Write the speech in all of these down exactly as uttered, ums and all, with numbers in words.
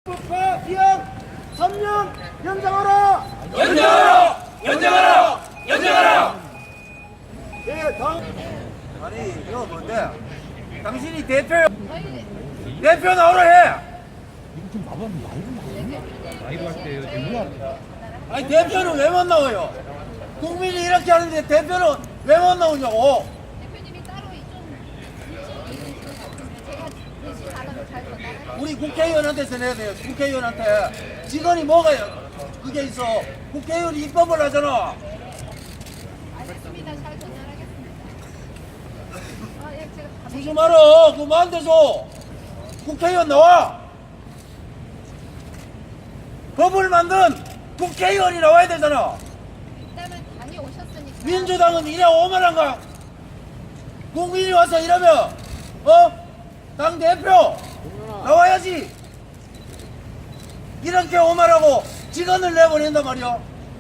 국회 기한 삼 년 연장하라! 연장하라! 연장하라! 연장하라! 예, 다음. 아니 이거 뭔데? 당신이 대표 대표 나오라 해. 아니 대표는 왜 못 나와요? 국민이 이렇게 하는데 대표는 왜 못 나오냐고? 대표님이 따로 좀 제가 대신 나가면 잘 전달할게요. 우리 국회의원한테서 내야 돼요. 국회의원한테 직원이 뭐가 그게 있어? 국회의원이 입법을 하잖아. 알겠습니다. 잘 전달하겠습니다. 아, 예, 제가 가만히 주지 마라. 그거 안 돼서 국회의원 나와. 법을 만든 국회의원이 나와야 되잖아. 일단은 다녀오셨으니까. 민주당은 이래 오만한가? 국민이 와서 이러면 어? 당 대표 나와야지. 이렇게 오만하고 직원을 내보낸단 말이야.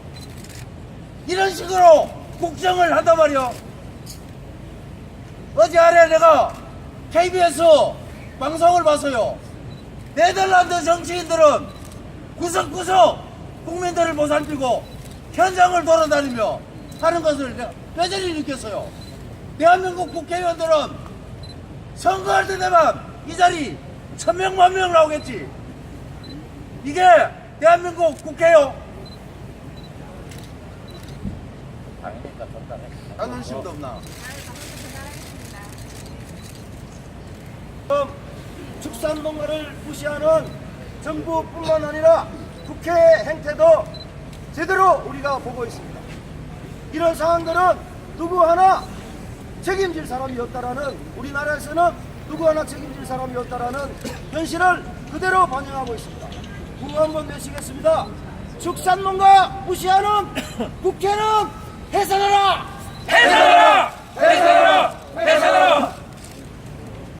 이런 식으로 국정을 한단 말이야. 어제 아래 내가 케이비에스 방송을 봤어요. 네덜란드 정치인들은 구석구석 국민들을 보살피고 현장을 돌아다니며 하는 것을 내가 뼈저리 느꼈어요. 대한민국 국회의원들은 선거할 때 되면 이 자리 천명 만명 나오겠지. 이게 대한민국 국회요. 자존심도 없나? 축산농가를 무시하는 정부뿐만 아니라 국회 행태도 제대로 우리가 보고 있습니다. 이런 상황들은 누구 하나 책임질 사람이 없다라는, 우리나라에서는 누구 하나 책임질 사람이 없다라는 현실을 그대로 반영하고 있습니다. 구호 한번 내시겠습니다. 축산농가 무시하는 국회는 해산하라! 해산하라!